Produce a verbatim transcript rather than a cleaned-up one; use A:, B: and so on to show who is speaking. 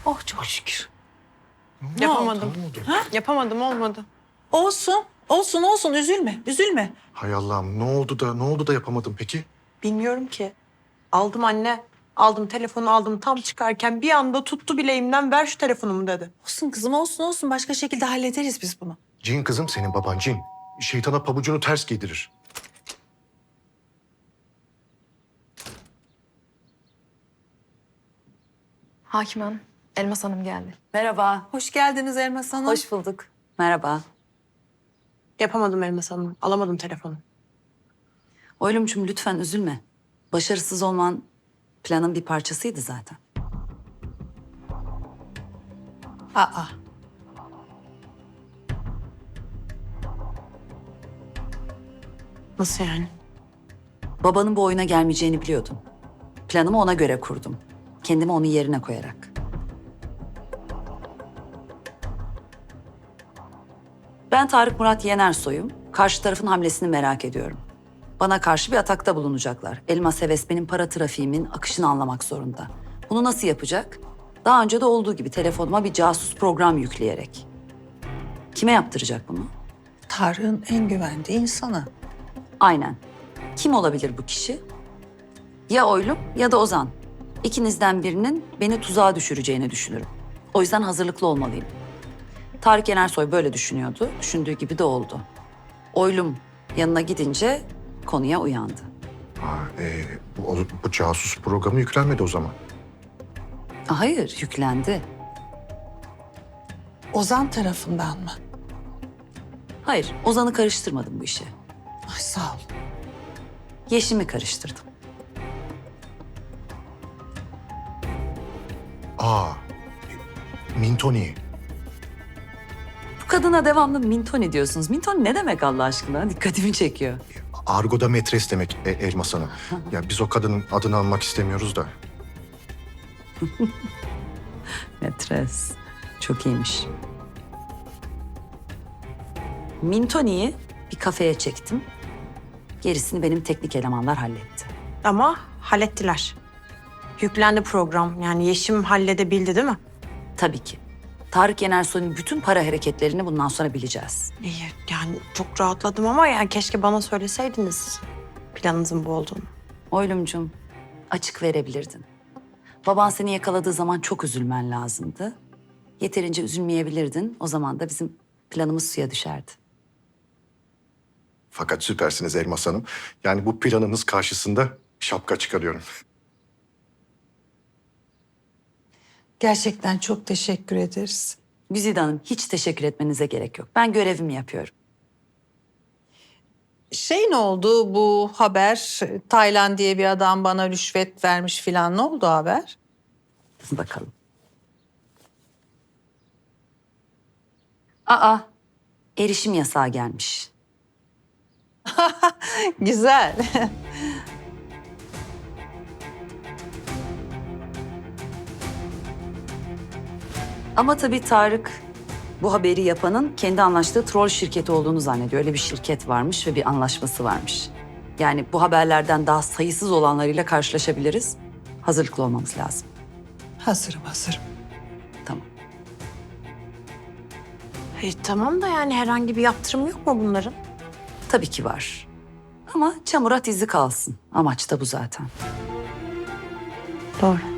A: Oh çok şükür.
B: Ne
C: Yapamadım.
B: oldu? Ne oldu?
C: Ha? Yapamadım, olmadı.
A: Olsun, olsun, olsun. Üzülme, üzülme.
B: Hay Allah'ım ne oldu da ne oldu da yapamadım peki?
C: Bilmiyorum ki. Aldım anne. Aldım telefonu aldım tam çıkarken bir anda tuttu bileğimden ver şu telefonumu dedi.
A: Olsun kızım, olsun, olsun. Başka şekilde hallederiz biz bunu.
B: Cin kızım senin baban cin. Şeytana pabucunu ters giydirir.
D: Hakim Hanım, Elmas Hanım geldi.
E: Merhaba.
A: Hoş geldiniz Elmas Hanım.
E: Hoş bulduk. Merhaba.
C: Yapamadım Elmas Hanım. Alamadım telefonu.
E: Oylumcum lütfen üzülme. Başarısız olman planın bir parçasıydı zaten.
A: Aa,
C: Nasıl yani?
E: Babanın bu oyuna gelmeyeceğini biliyordum. Planımı ona göre kurdum. Kendimi onun yerine koyarak. Ben Tarık Murat Yenersoy'um. Karşı tarafın hamlesini merak ediyorum. Bana karşı bir atakta bulunacaklar. Elmas Heves benim para trafiğimin akışını anlamak zorunda. Bunu nasıl yapacak? Daha önce de olduğu gibi telefonuma bir casus program yükleyerek. Kime yaptıracak bunu?
A: Tarık'ın en güvendiği insanı.
E: Aynen. Kim olabilir bu kişi? Ya Oylum ya da Ozan. İkinizden birinin beni tuzağa düşüreceğini düşünürüm. O yüzden hazırlıklı olmalıyım. Tarık Yenersoy böyle düşünüyordu. Düşündüğü gibi de oldu. Oylum yanına gidince konuya uyandı.
B: Aa, e, bu, bu casus programı yüklenmedi o zaman.
E: Hayır, yüklendi.
A: Ozan tarafından mı?
E: Hayır, Ozan'ı karıştırmadım bu işe.
A: Ay sağ ol.
E: Yeşim'i karıştırdım.
B: Aa, e, Mintoni.
E: Bu kadına devamlı Mintoni diyorsunuz. Mintoni ne demek Allah aşkına? Dikkatimi çekiyor.
B: Argo'da metres demek e, Elmas Hanım. Ya biz o kadının adını almak istemiyoruz da.
E: Metres. Çok iyiymiş. Mintoni'yi bir kafeye çektim. Gerisini benim teknik elemanlar halletti.
C: Ama hallettiler. Yüklendi program. Yani Yeşim halledebildi değil mi?
E: Tabii ki. Tarık Yenersoy'un bütün para hareketlerini bundan sonra bileceğiz.
C: İyi. Yani çok rahatladım ama yani keşke bana söyleseydiniz planınızın bu olduğunu.
E: Oylumcum, açık verebilirdin. Baban seni yakaladığı zaman çok üzülmen lazımdı. Yeterince üzülmeyebilirdin. O zaman da bizim planımız suya düşerdi.
B: Fakat süpersiniz Elmas Hanım. Yani bu planınız karşısında şapka çıkarıyorum.
A: Gerçekten çok teşekkür ederiz.
E: Güzide Hanım, hiç teşekkür etmenize gerek yok. Ben görevimi yapıyorum.
A: Şey ne oldu bu haber? Taylan diye bir adam bana rüşvet vermiş filan. Ne oldu haber?
E: Bakalım. Aa, erişim yasağı gelmiş.
A: Güzel.
E: Ama tabii Tarık bu haberi yapanın kendi anlaştığı troll şirketi olduğunu zannediyor. Öyle bir şirket varmış ve bir anlaşması varmış. Yani bu haberlerden daha sayısız olanlarıyla karşılaşabiliriz. Hazırlıklı olmamız lazım.
A: Hazırım, hazırım.
E: Tamam.
C: E, tamam da yani herhangi bir yaptırım yok mu bunların?
E: Tabii ki var. Ama çamurat izi kalsın. Amaç da bu zaten.
C: Doğru.